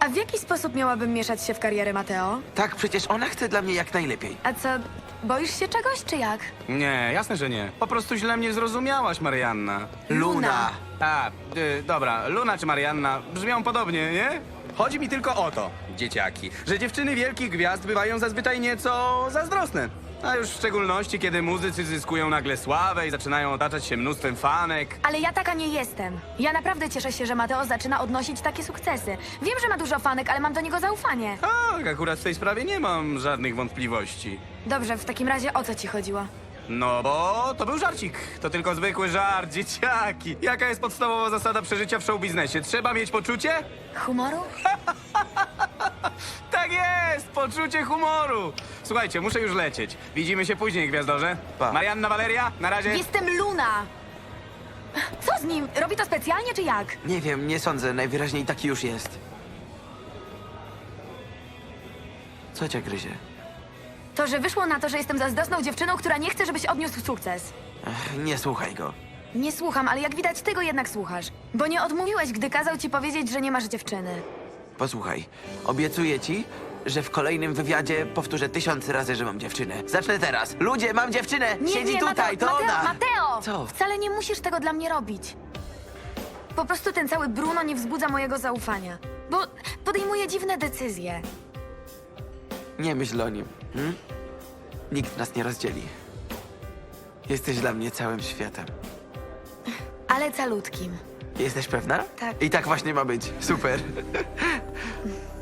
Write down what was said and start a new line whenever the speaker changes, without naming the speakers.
A w jaki sposób miałabym mieszać się w karierę Mateo?
Tak, przecież ona chce dla mnie jak najlepiej.
A co, boisz się czegoś, czy jak?
Nie, jasne, że nie. Po prostu źle mnie zrozumiałaś, Marianna.
Luna!
A, dobra, Luna czy Marianna brzmią podobnie, nie? Chodzi mi tylko o to, dzieciaki, że dziewczyny wielkich gwiazd bywają zazwyczaj nieco zazdrosne. A już w szczególności, kiedy muzycy zyskują nagle sławę i zaczynają otaczać się mnóstwem fanek.
Ale ja taka nie jestem. Ja naprawdę cieszę się, że Mateo zaczyna odnosić takie sukcesy. Wiem, że ma dużo fanek, ale mam do niego zaufanie.
Tak, akurat w tej sprawie nie mam żadnych wątpliwości.
Dobrze, w takim razie o co ci chodziło?
No bo to był żarcik. To tylko zwykły żart, dzieciaki. Jaka jest podstawowa zasada przeżycia w showbiznesie? Trzeba mieć poczucie?
Humoru?
Tak jest! Poczucie humoru! Słuchajcie, muszę już lecieć. Widzimy się później, gwiazdorze.
Pa.
Marianna, Valeria, na razie.
Jestem Luna! Co z nim? Robi to specjalnie, czy jak?
Nie wiem, nie sądzę, najwyraźniej taki już jest. Co cię gryzie?
To, że wyszło na to, że jestem zazdrosną dziewczyną, która nie chce, żebyś odniósł sukces.
Nie słuchaj go.
Nie słucham, ale jak widać, ty go jednak słuchasz. Bo nie odmówiłeś, gdy kazał ci powiedzieć, że nie masz dziewczyny.
Posłuchaj, obiecuję ci, że w kolejnym wywiadzie powtórzę 1000 razy, że mam dziewczynę. Zacznę teraz. Ludzie, mam dziewczynę! Siedzi tutaj, to
Mateo,
ona!
Mateo!
Co?
Wcale nie musisz tego dla mnie robić. Po prostu ten cały Bruno nie wzbudza mojego zaufania. Bo podejmuje dziwne decyzje.
Nie myśl o nim. Nikt nas nie rozdzieli. Jesteś dla mnie całym światem.
Ale calutkim.
Jesteś pewna?
Tak.
I tak właśnie ma być. Super.